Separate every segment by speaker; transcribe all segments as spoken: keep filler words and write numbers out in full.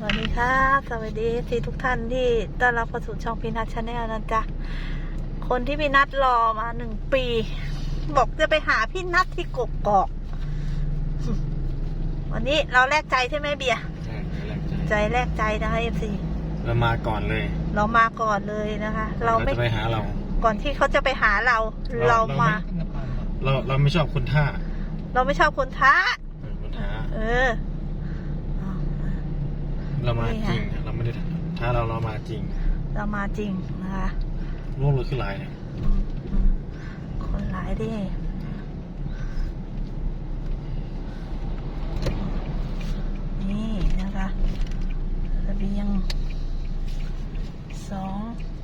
Speaker 1: วัสดีครับสวัสดีที่ทุกท่านที่ต้อนรับเข้าสู่ช่องพีนัทชาแนลนะจ๊ะคนที่พี่นัทรอมาหนึ่งปี บอกจะไปหาพี่นัทที่กกอกวันนี้เราแลกใจใช่ไหมเบียร์ใจแลกใจนะคะเอฟซี
Speaker 2: เรามาก่อนเลย
Speaker 1: เรามาก่อนเลยนะคะ เราไม่
Speaker 2: ไปหาเรา
Speaker 1: ก่อนที่เขาจะไปหาเราเรามา
Speaker 2: เราเราไม่ชอบคนท่า
Speaker 1: เราไม่ชอบคนท้า
Speaker 2: คนท้า
Speaker 1: เออ
Speaker 2: เรามาจริงเราไม่ได้ท้าเราเรามาจริง
Speaker 1: เรามาจริงนะคะ
Speaker 2: โลกเลยขึ้นหลายเนี่ย
Speaker 1: คนหลายดินี่นะคะระเบียงสอง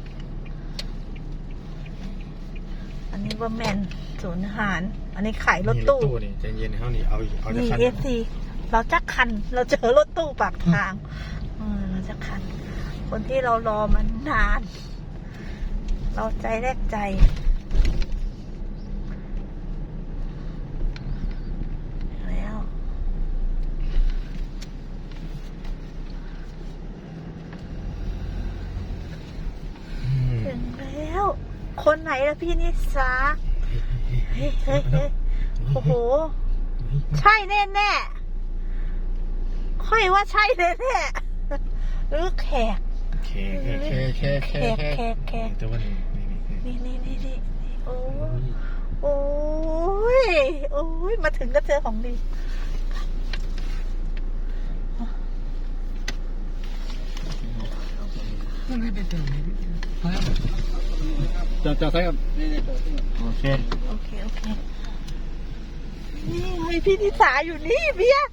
Speaker 1: อันนี้ว่าแมนศูนย์อาหารอันนี้ขายรถตู้
Speaker 2: นี่ใจเย็นเขานี่เอาเอาจะคัน
Speaker 1: นี่เอฟซีเราจะคันเราเจอรถตู้ปากทางเราจะคันคนที่เรารอมันนาน เราใจแรกใจแล้วถึงแล้วคนไหนล่ะพี่นิสาเฮ้ยเฮ้ยเฮ้ยโอ้โหใช่แน่แน่ค่อยว่าใช่แน่แน่หรือแขก
Speaker 2: แขกแขกแขก
Speaker 1: แขกแขกแขก
Speaker 2: แต่ว่านี่
Speaker 1: นี่นี่นี่นี่โอ้โอ้ยโอ้ยมาถึงก็เจอของดี
Speaker 2: จะจะใช่ครับโอเค
Speaker 1: โอเคโอเคนี่ไงพี่นิสาอยู่นี่เบียร์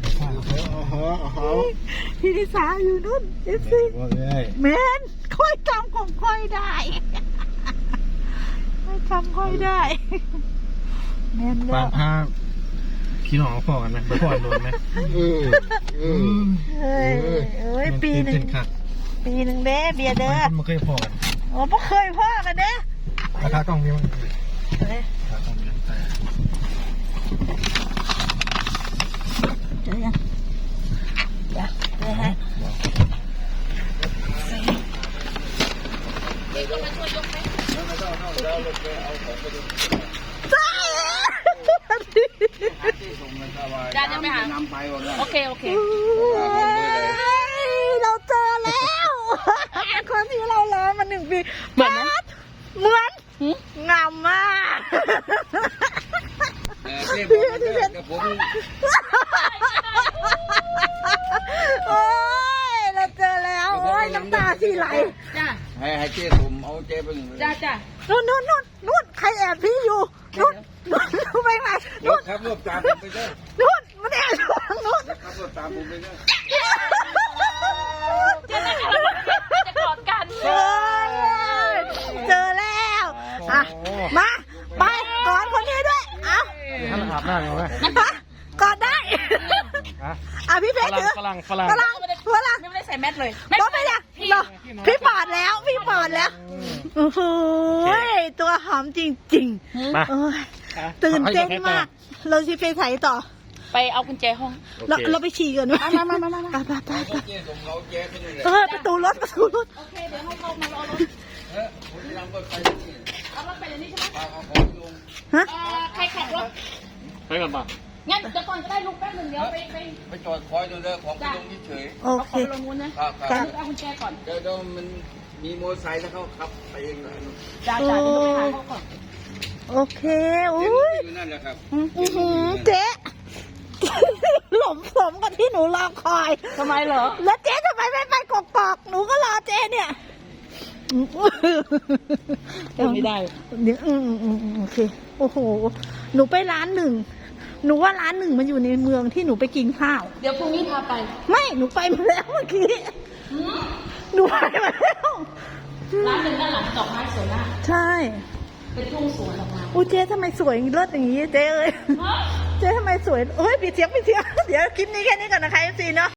Speaker 1: พี่นิสาอยู่นู่นเอฟซีแมนค่อยจำของค่อยได้ค่อยจำค่อยได้แมน
Speaker 2: ปาพาพี่น้องพ่อกันไหมพ่อโดนไหมเออเออ
Speaker 1: เฮ้ยเอ้ยปีหนึ่งปีหนึ่งเด้เบียร์เด้อ
Speaker 2: มันเคยพ่อกัน
Speaker 1: โอ้ไม่เคยพ่อกันเด้
Speaker 2: ราคากล้องมีมั้ง
Speaker 1: เฮ้ยเจอยังเดี๋ยวเดี๋ยวให้เด็กก็มาช่วยยกไหมได้ยังไม่หาโอเคโอเคเราเจอแล้วคนที่เรารอมาหนึ่งปีเหมือนเหมือนงามมากพี่ที่เป็นโอ้ยเราเจอแล้วโอ้ยน้ำตาที่ไหลจ้า
Speaker 3: ให้ให้เจ๊ผมเอาเจ๊ไปหนึ่ง
Speaker 1: จ้าจ้านู่นนู่นนู่นนู่นใครแอบพี่อยู่นู่นนู่นนู่นไปไหนนู่น
Speaker 3: ครับรวบตามผมไปด้วย
Speaker 1: นู่นมันแอบอยู่นู่น
Speaker 3: ครับรวบตามผมไปด้วย
Speaker 1: เจอแล้วจะกอดกันเจอแล้วอ่ะมาไปกอดคนนี้ด้วยเอา
Speaker 2: ท่านอาบหน้าเลยไหม
Speaker 1: กอดได้อ่ะพี่เพชรถือ
Speaker 2: ฝรั่งฝรั่ง
Speaker 1: ฝรั่งฝรั่ง
Speaker 4: ไม่ได้ใส่แมสเลย
Speaker 1: ก็ไม่ได้พี่ปอดแล้วพี่ปอดแล้วโอ้โหตัวหอมจริงๆตื่นเต้นมากเราจะไปไหนต่อ
Speaker 4: ไปเอากุญแจห้อง
Speaker 1: เราเราไปฉี่กันไหม
Speaker 4: มามามามา
Speaker 1: ไปไปไปไปเออประตูรถประตูรถ
Speaker 4: โอเคเดี๋ยวให้เขามารอรถเออผมจะนำรถไปเอารถไปเดี๋ยวนี้ใช่ไหมเอาของลงฮะใครขับรถ
Speaker 2: ไปก่อนป่ะ
Speaker 4: งั้นเดี๋ยวก่อนก็ได้ลูกแป๊บนึงเดี๋ยวไปไป
Speaker 3: ไปจอดคอยดูเด้อของไปลงเฉย
Speaker 1: โอเค
Speaker 4: ลงนู้นนะครับเอากุญแจก่อน
Speaker 3: เดี๋ยวเดี๋ยวมันมีมอเตอร์ไซค์แล้วเขาขับไปเองเลย
Speaker 4: จ้าจ้าเดี๋ยวไปหาเขาก่อน
Speaker 1: โอเคอุ้ย
Speaker 3: อยู่นั่นแหละครับ
Speaker 1: เจ๊หล่มสมกับที่หนูรอคอย
Speaker 4: ทำไมเหรอ
Speaker 1: แล้วเจ๊ทำไมไม่ไปกกอกหนูก็รอเจ๊เนี่ย
Speaker 4: ไม่ได้
Speaker 1: เดี๋ยวอืมอืมโอเคโอ้โหหนูไปร้านหนึ่งหนูว่าร้านหนึ่งมันอยู่ในเมืองที่หนูไปกินข้าว
Speaker 4: เดี๋ยวพรุ่งนี้พาไป
Speaker 1: ไม่หนูไปมาแล้วเมื่อกี้หนูไปมาแล้ว
Speaker 4: ร้านหนึ่งด้านหลังดอกไม้สวยมาก
Speaker 1: ใช่
Speaker 4: เป็นทุ่งสวนออกมา
Speaker 1: อู้เจ๊ทำไมสวยเลิศอย่างนี้เจ๊เอ้ยเจ๊ทำไมสวยเฮ้ยปิดเสียงปิดเสียงเดี๋ยวคลิปนี้แค่นี้ก่อนนะคะเอฟซีเนาะ